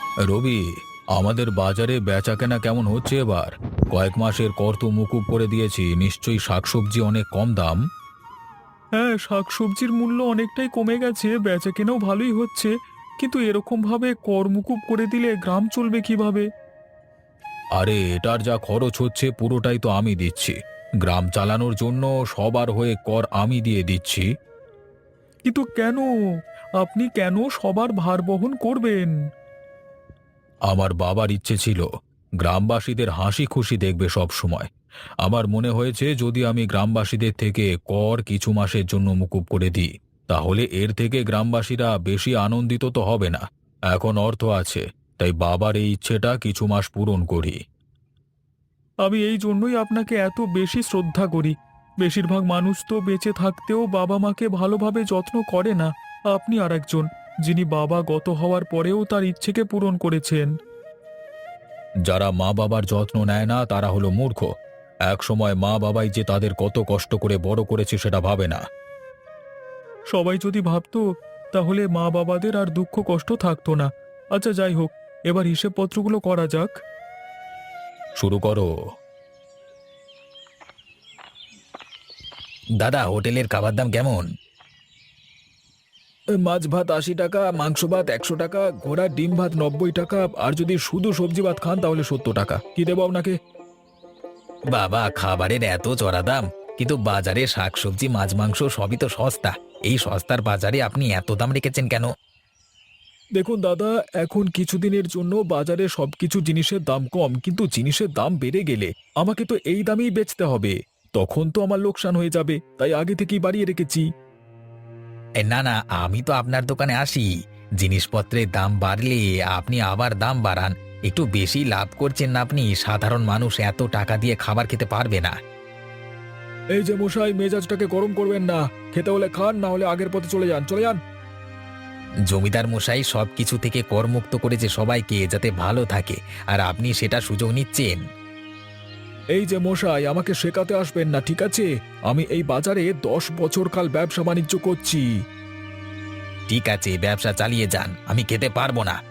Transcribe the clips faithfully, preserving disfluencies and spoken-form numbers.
রবি, আমাদের বাজারে বেচাকেনা কেমন হচ্ছে এবার? কয়েক মাসের কর তো মুকুব করে দিয়েছি, নিশ্চয়ই শাকসবজি অনেক কম দাম। হ্যাঁ, শাকসবজির মূল্য অনেকটাই কমে গেছে, বেচাকেনাও ভালোই হচ্ছে। কিন্তু এরকম ভাবে কর মুকুব করে দিলে গ্রাম চলবে কিভাবে? আরে এটার যা খরচ হচ্ছে পুরোটাই তো আমি দিচ্ছি। গ্রাম চালানোর জন্য সবার হয়ে কর আমি দিয়ে দিচ্ছি। কিন্তু কেন? আপনি কেন সবার ভার বহন করবেন? আমার বাবার ইচ্ছে ছিল গ্রামবাসীদের হাসি খুশি দেখবে সব সময়। আমার মনে হয়েছে যদি আমি গ্রামবাসীদের থেকে কর কিছু মাসের জন্য মুকুব করে দিই, তাহলে এর থেকে গ্রামবাসীরা বেশি আনন্দিত তো হবে না। এখন অর্থ আছে, তাই বাবার এই ইচ্ছেটা কিছু মাস পূরণ করি। আমি এই জন্যই আপনাকে এত বেশি শ্রদ্ধা করি। বেশিরভাগ মানুষ তো বেঁচে থাকতেও বাবা মাকে ভালোভাবে যত্ন করে না। আপনি আর একজন, যিনি বাবা গত হওয়ার পরেও তার ইচ্ছেকে পূরণ করেছেন। যারা মা বাবার যত্ন নেয় না তারা হলো মূর্খ। এক সময় মা বাবাই যে তাদের কত কষ্ট করে বড় করেছে সেটা ভাবে না। সবাই যদি ভাবতো, তাহলে মা বাবাদের আর দুঃখ কষ্ট থাকতো না। আচ্ছা, যাই হোক, এবার হিসেবপত্রগুলো করা যাক। শুরু করো। দাদা, হোটেলের খাবার দাম কেমন? মাছ ভাত আশি টাকা, মাংস ভাত একশো টাকা, ঘোড়ার ডিম ভাত নব্বই টাকা, আর যদি শুধু সবজি ভাত খান তাহলে সত্তর টাকা। কি দেবো আপনাকে? বাবা, খাবারের এত চড়া দাম, কিন্তু বাজারে শাকসবজি মাছ মাংস সবই তো সস্তা। এই সস্তার বাজারে আপনি এত দাম রেখেছেন কেন? দেখুন দাদা, এখন কিছুদিনের জন্য বাজারে সবকিছু জিনিসের দাম কম, কিন্তু জিনিসের দাম বেড়ে গেলে আমাকে তো এই দামেই বেচতে হবে। তখন তো আমার লোকসান হয়ে যাবে, তাই আগে থেকেই বাড়িয়ে রেখেছি। এ, না না, আমি তো আপনার দোকানে আসি। জিনিসপত্রের দাম বাড়লে আপনি আবার দাম বাড়ান। একটু বেশি লাভ করছেন না আপনি। সাধারণ মানুষ এত টাকা দিয়ে খাবার খেতে পারবে না। এই যে মশাই, মেজাজটাকে গরম করবেন না। খেতে হলে খান, না হলে আগের পথে চলে যান, চলে যান। জমিদার মশাই সবকিছু থেকে করমুক্ত করেছে সবাইকে, যাতে ভালো থাকে, আর আপনি সেটা সুযোগ নিচ্ছেন। এই যে মশাই, আমাকে শেখাতে আসবেন না, ঠিক আছে? আমি এই বাজারে দশ বছর কাল ব্যবসা বাণিজ্য করছি। ঠিক আছে, ব্যবসা চালিয়ে যান, আমি খেতে পারবো না।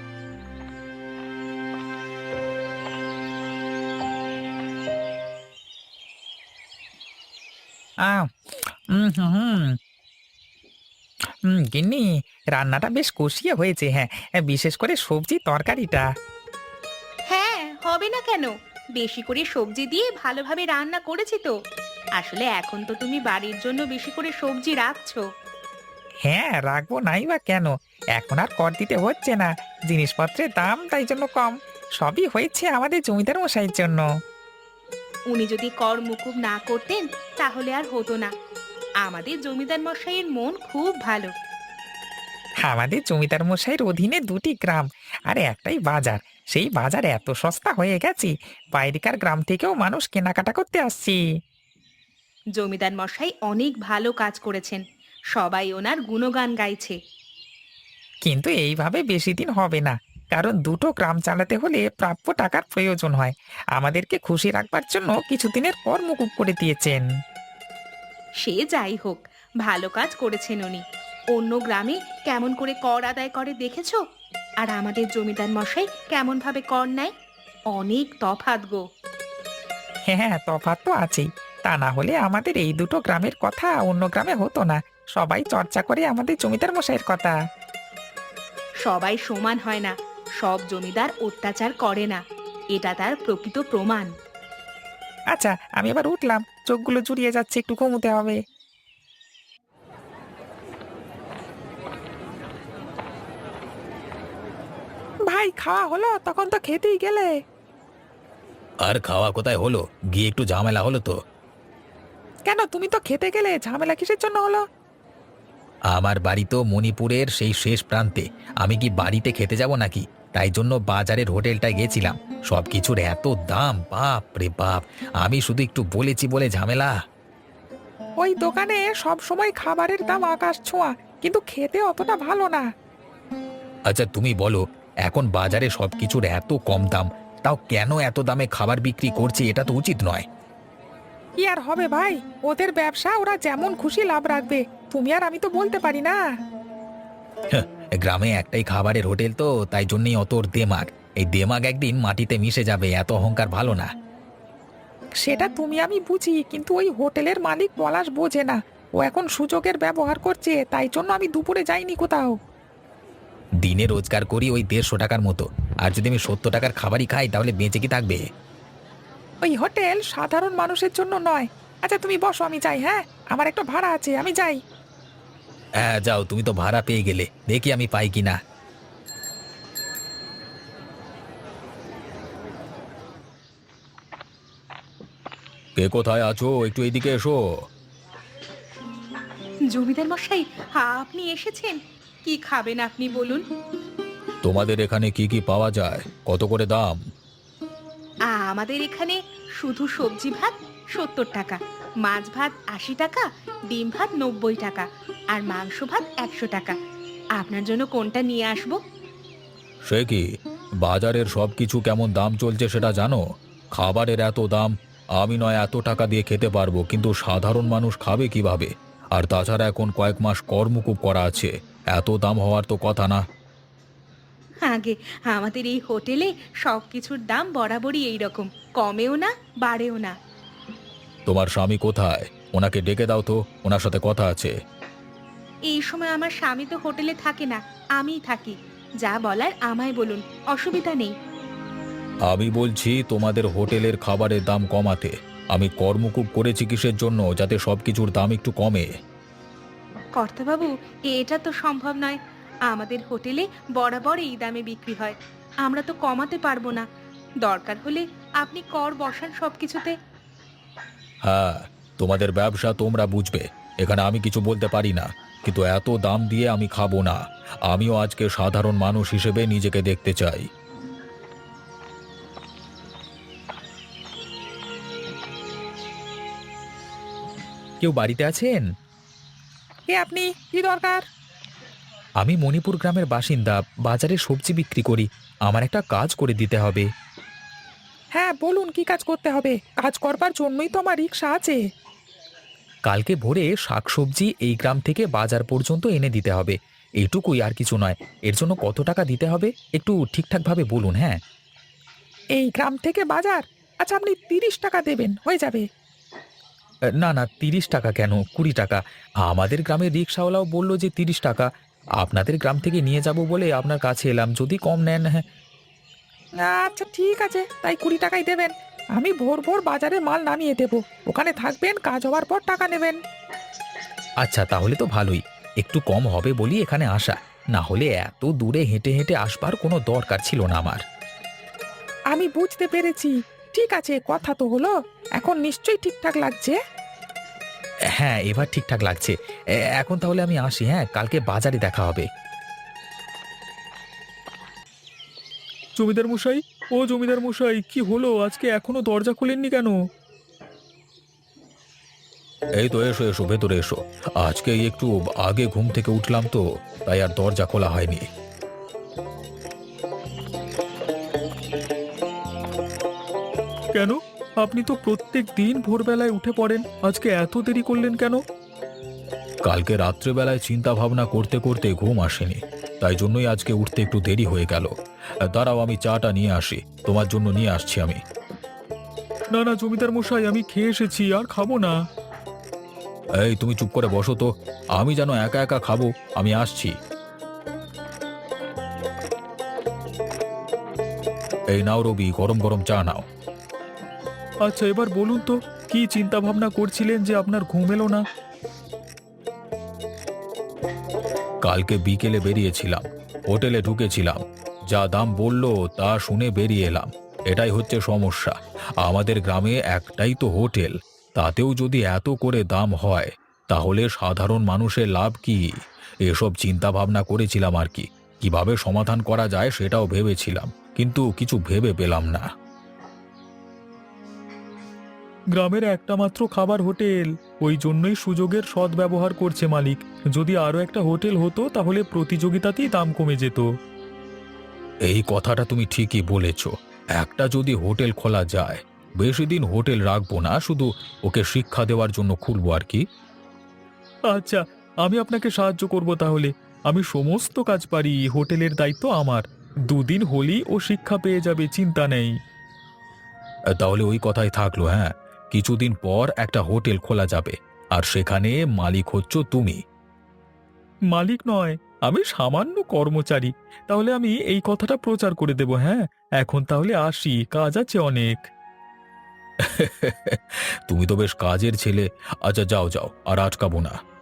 আহ উম হুম হুম হুম, গিন্নি, রান্নাটা বেশ কষিয়ে হয়েছে। হ্যাঁ, বিশেষ করে সবজি তরকারিটা। হ্যাঁ, হবে না কেন? বেশি করে সবজি দিয়ে ভালোভাবে রান্না করেছি তো। আসলে এখন তো তুমি বাড়ির জন্য বেশি করে সবজি রাখছো। হ্যাঁ, রাখবো নাই বা কেন? এখন আর কর দিতে হচ্ছে না। জিনিসপত্রের দাম তাই জন্য কম। সবই হয়েছে আমাদের জমিদার মশাইয়ের জন্য। উনি যদি কর মুকুব না করতেন, তাহলে আর হতো না। আমাদের জমিদার মশাইয়ের মন খুব ভালো। আমাদের জমিদার মশাইয়ের অধীনে দুটি গ্রাম আর একটাই বাজার। সেই বাজার এত সস্তা হয়ে গেছে, বাইরেকার গ্রাম থেকেও মানুষ কেনাকাটা করতে আসছে। জমিদার মশাই অনেক ভালো কাজ করেছেন। সবাই ওনার গুণগান গাইছে। কিন্তু এইভাবে বেশি দিন হবে না, কারণ দুটো গ্রাম চালাতে হলে প্রাপ্য টাকার প্রয়োজন হয়। আমাদেরকে খুশি রাখবার জন্য কিছুদিনের পর মুকুব করে দিয়েছেন। সে যাই হোক, ভালো কাজ করেছেন উনি। অন্য গ্রামে কেমন করে কর আদায় করে দেখেছো? আর আমাদের জমিদার মশাই কেমন ভাবে কর নেয়? অনেক তফাৎ গো। হ্যাঁ হ্যাঁ, তফাৎ তো আছেই। তা না হলে আমাদের এই দুটো গ্রামের কথা অন্য গ্রামে হতো না। সবাই চর্চা করে আমাদের জমিদার মশাইয়ের কথা। সবাই সমান হয় না। সব জমিদার অত্যাচার করে না। এটা তার প্রকৃত প্রমাণ। আচ্ছা, আমি এবার উঠলাম, চোখগুলো জুড়িয়ে যাচ্ছে, একটু ঘুমোতে হবে। ভাই, খাওয়া হলো? তখন তো খেতেই গেলে। আর খাওয়া কোথায় হলো, গিয়ে একটু ঝামেলা হলো তো। কেন, তুমি তো খেতে গেলে, ঝামেলা কিসের জন্য হলো? আমার বাড়ি তো মণিপুরের সেই শেষ প্রান্তে। আমি কি বাড়িতে খেতে যাব নাকি? তাই জন্য বাজারের হোটেলটায় গেছিলাম। সবকিছুর এত দাম, বাপ রে বাপ! আমি শুধু একটু বলেছি বলে ঝামেলা। ওই দোকানে সব সময় খাবারের দাম আকাশ ছোঁয়া, কিন্তু খেতে অতটা ভালো না। আচ্ছা তুমি বলো, এখন বাজারে সবকিছুর এত কম দাম, তাও কেন এত দামে খাবার বিক্রি করছে? এটা তো উচিত নয়। কি আর হবে ভাই, ওদের ব্যবসা, ওরা যেমন খুশি লাভ রাখবে। তুমি আর আমি তো বলতে পারি না। হ্যাঁ, গ্রামে একটাই খাবারের হোটেল তো, তাই জন্যই অত ওর দেমাগ। এই দেমাগ একদিন মাটিতে মিশে যাবে, এত অহংকার ভালো না। সেটা তুমি আমি বুঝি, কিন্তু ওই হোটেলের মালিক পলাশ বোঝে না। ও এখন সুযোগের ব্যবহার করছে, তাই জন্য আমি দুপুরে যাইনি কোথাও। দিনে রোজগার করি ওই দেড়শো টাকার মতো, আর যদি আমি সত্তর টাকার খাবারই খাই তাহলে বেঁচে কি থাকবে? ওই হোটেল সাধারণ মানুষের জন্য নয়। আচ্ছা তুমি বসো, আমি যাই। হ্যাঁ, আমার একটা ভাড়া আছে, আমি যাই। হ্যাঁ যাও, তুমি তো ভাড়া পেয়ে গেলে, দেখি আমি পাই কিনা। কে কোথায় আছো, একটু এইদিকে এসো। জমিদার মশাই, আপনি এসেছেন? কি খাবেন আপনি বলুন? তোমাদের এখানে কি কি পাওয়া যায়, কত করে দাম? আমাদের এখানে শুধু সবজি ভাত সত্তর টাকা, মাছ ভাত আশি টাকা, ডিম ভাত নব্বই টাকা, আর মাংস ভাত একশো টাকা। আপনার জন্য কোনটা নিয়ে আসবো? সে কি, বাজারের সব কিছু কেমন দাম চলছে সেটা জানো? খাবারের এত দাম, আমি নয় এত টাকা দিয়ে খেতে পারবো, কিন্তু সাধারণ মানুষ খাবে কিভাবে? আর তাছাড়া এখন কয়েক মাস কর্মকুব করা আছে, এত দাম হওয়ার তো কথা না। আগে আমাদের এই হোটেলে সব কিছুর দাম বরাবরই এই রকম, কমেও না বাড়েও না। তোমার স্বামী কোথায়? ওনাকে ডেকে দাও তো, ওনার সাথে কথা আছে। এই সময় আমার স্বামী তো হোটেলে থাকে না, আমিই থাকি। যা বলার আমায় বলুন, অসুবিধা নেই। আমি বলছি তোমাদের হোটেলের খাবারের দাম কমাতে। আমি কর্মকুব করেছি কিসের জন্য? যাতে সব কিছুর দাম একটু কমে। কর্তাবাবু, এটা তো সম্ভব নয়। আমাদের হোটেলে বরাবর এই দামে বিক্রি হয়, আমরা তো কমাতে পারবো না। দরকার হলে আপনি কর বসান সবকিছুতে। হ্যাঁ, তোমাদের ব্যবসা তোমরা বুঝবে, এখানে আমি কিছু বলতে পারি না। কিন্তু এত দাম দিয়ে আমি খাবো না। আমিও আজকে সাধারণ মানুষ হিসেবে নিজেকে দেখতে চাই। কেউ বাড়িতে আছেন? কে আপনি? কি দরকার? আমি মণিপুর গ্রামের বাসিন্দা, বাজারে সবজি বিক্রি করি। আমার একটা কাজ করে দিতে হবে। হ্যাঁ বলুন, কি কাজ করতে হবে? কাজ করবার জন্যই তো আমার রিক্সা আছে। কালকে ভোরে শাকসবজি এই গ্রাম থেকে বাজার পর্যন্ত এনে দিতে হবে, এইটুকুই, আর কিছু নয়। এর জন্য কত টাকা দিতে হবে একটু ঠিকঠাকভাবে বলুন। হ্যাঁ, এই গ্রাম থেকে বাজার? আচ্ছা আপনি তিরিশ টাকা দেবেন, হয়ে যাবে। না না, তিরিশ টাকা কেন, কুড়ি টাকা। আমাদের গ্রামের রিক্সাওয়ালাও বলল যে তিরিশ টাকা। আপনাদের গ্রাম থেকে নিয়ে যাব বলে আপনার কাছে এলাম, যদি কম নেন। হ্যাঁ, আচ্ছা ঠিক আছে, তাই কুড়ি টাকাই দেবেন। আমি ভোর ভোর বাজারে মাল নামিয়ে দেবো, ওখানে থাকবেন, কাজ হওয়ার পর টাকা নেবেন। আচ্ছা তাহলে তো ভালোই। একটু কম হবে বলি এখানে আসা, না হলে এত দূরে হেঁটে হেঁটে আসবার কোনো দরকার ছিল না আমার। আমি বুঝতে পেরেছি। ঠিক আছে, কথা তো হলো, এখন নিশ্চয়ই ঠিকঠাক লাগছে। হ্যাঁ, এবার ঠিকঠাক লাগছে। এ- এখন তাহলে আমি আসি। হ্যাঁ, কালকে বাজারে দেখা হবে। জমিদার মশাই, ও জমিদার মশাই, কি হলো আজকে এখনো দরজা খোলেননি কেন? এই তো, এসো এসো, ভেতরে এসো। আজকে একটু আগে ঘুম থেকে উঠলাম তো, তাই আর দরজা খোলা হয়নি। কেন, আপনি তো প্রত্যেক দিন ভোরবেলায় উঠে পড়েন, আজকে এত দেরি করলেন কেন? কালকে রাত্রেবেলায় চিন্তা ভাবনা করতে করতে ঘুম আসেনি, তাই জন্যই আজকে উঠতে একটু দেরি হয়ে গেল। দাঁড়াও, আমি চাটা নিয়ে আসি, তোমার জন্য নিয়ে আসছি আমি। না না জমিদার মশাই, আমি খেয়ে এসেছি, আর খাবো না। এই তুমি চুপ করে বসো তো, আমি যেন একা একা খাবো, আমি আসছি। এই নাও রবি, গরম গরম চা নাও। আচ্ছা এবার বলুন তো, কি চিন্তা ভাবনা করছিলেন যে আপনার ঘুম এলো না? কালকে বিকেলে বেরিয়েছিলাম, হোটেলে ঢুকেছিলাম, যা দাম বললো তা শুনে বেরিয়ে এলাম। এটাই হচ্ছে সমস্যা। আমাদের গ্রামে একটাই তো হোটেল, তাতেও যদি এত করে দাম হয়, তাহলে সাধারণ মানুষের লাভ কি? এসব চিন্তা ভাবনা করেছিলাম আর কি, কিভাবে সমাধান করা যায় সেটাও ভেবেছিলাম, কিন্তু কিছু ভেবে পেলাম না। গ্রামের একটা মাত্র খাবার হোটেল, ওই জন্যই সুযোগের সদ্ব্যবহার করছে মালিক। যদি আরো একটা হোটেল হতো তাহলে প্রতিযোগিতাতেই দাম কমে যেত। এই কথাটা তুমি ঠিকই বলেছ। একটা যদি হোটেল খোলা যায়, বেশি দিন হোটেল রাখবো না, শুধু ওকে শিক্ষা দেওয়ার জন্য খুলবো আর কি। আচ্ছা, আমি আপনাকে সাহায্য করব তাহলে। আমি সমস্ত কাজ পারি, হোটেলের দায়িত্ব আমার। দুদিন হলেই ও শিক্ষা পেয়ে যাবে, চিন্তা নেই। তাহলে ওই কথাই থাকলো। হ্যাঁ, কিছুদিন পর একটা হোটেল খোলা যাবে, আর সেখানে মালিক হচ্ছ তুমি। মালিক নয়, আমি সামান্য কর্মচারী। তাহলে আমি এই কথাটা প্রচার করে দেব। হ্যাঁ, এখন তাহলে আসি, কাজ আছে অনেক। তুমি তো বেশ কাজের ছেলে। আচ্ছা, যাও যাও, আর আটকাবো না।